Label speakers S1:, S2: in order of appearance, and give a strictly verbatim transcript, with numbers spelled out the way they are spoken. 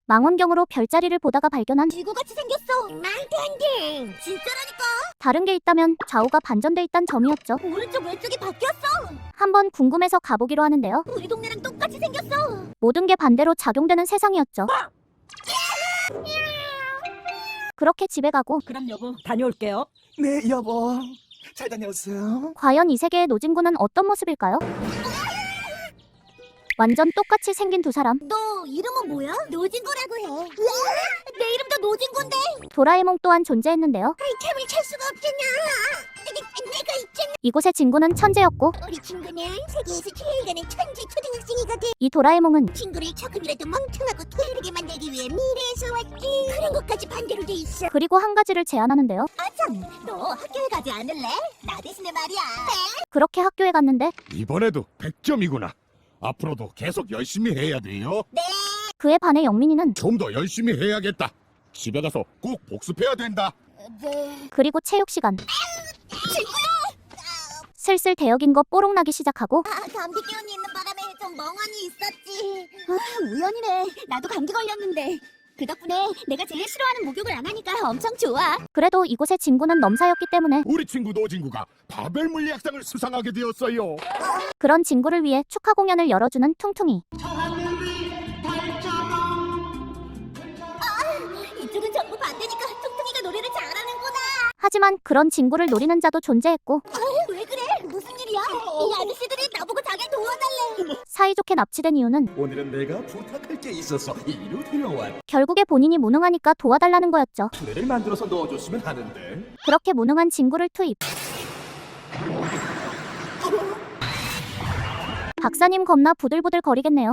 S1: 망원경으로 별자리를 보다가 발견한
S2: 지구같이 생겼어. 말도 안 돼. 진짜라니까.
S1: 다른 게 있다면 좌우가 반전돼 있단 점이었죠.
S2: 오른쪽 왼쪽이 바뀌었어.
S1: 한번 궁금해서 가보기로 하는데요.
S2: 우리 동네랑 똑같이 생겼어.
S1: 모든 게 반대로 작용되는 세상이었죠. 그렇게 집에 가고
S3: 그럼 여보 다녀올게요.
S4: 네, 여보. 잘 다녀오세요.
S1: 과연 이 세계의 노진구는 어떤 모습일까요? 완전 똑같이 생긴 두 사람.
S2: 너 이름은 뭐야? 노진구라고 해. 으아, 내 이름도 노진구인데.
S1: 도라에몽 또한 존재했는데요.
S2: 아이템을 찰 수가 없잖아. 내가 있잖아.
S1: 이곳의 진구는 천재였고
S2: 우리 친구는 세계에서 제일 가는 천재 초등학생이거든.
S1: 이 도라에몽은
S2: 친구를 조금이라도 멍청하고 게으르게 만들기 위해 미래에서 왔지. 그런 것까지 반대로 돼 있어.
S1: 그리고 한 가지를 제안하는데요.
S2: 아참, 너 학교에 가지 않을래? 나 대신에 말이야.
S1: 그렇게 학교에 갔는데
S5: 이번에도 백 점이구나. 앞으로도 계속 열심히 해야 돼요.
S1: 그에 반해 영민이는
S5: 좀 더 열심히 해야겠다. 집에 가서 꼭 복습해야 된다.
S2: 네.
S1: 그리고 체육 시간. 슬슬 대역인 거 뽀록나기 시작하고
S2: 아, 감기 기운이 있는 바람에 좀 멍하니 있었지. 아, 우연이네. 나도 감기 걸렸는데. 그 덕분에 내가 제일 싫어하는 목욕을 안 하니까 엄청 좋아.
S1: 그래도 이곳의 진구는 넘사였기 때문에
S5: 우리 친구 노진구가 바벨 물리학상을 수상하게 되었어요.
S1: 그런 진구를 위해 축하 공연을 열어주는 퉁퉁이.
S2: 이쪽은 전부 반대니까 퉁퉁이가 노래를 잘하는구나.
S1: 하지만 그런 진구를 노리는 자도 존재했고
S2: 아, 왜 그래? 무슨 일이야? 이 아저씨들이 나보고 자기 도와달래.
S1: 사이좋게 납치된 이유는
S4: 오늘은 내가 부탁할 게 있어서 이리로 데려왔.
S1: 결국에 본인이 무능하니까 도와달라는 거였죠.
S4: 투레를 만들어서 넣어줬으면 하는데.
S1: 그렇게 무능한 진구를 투입. 박사님 겁나 부들부들 거리겠네요.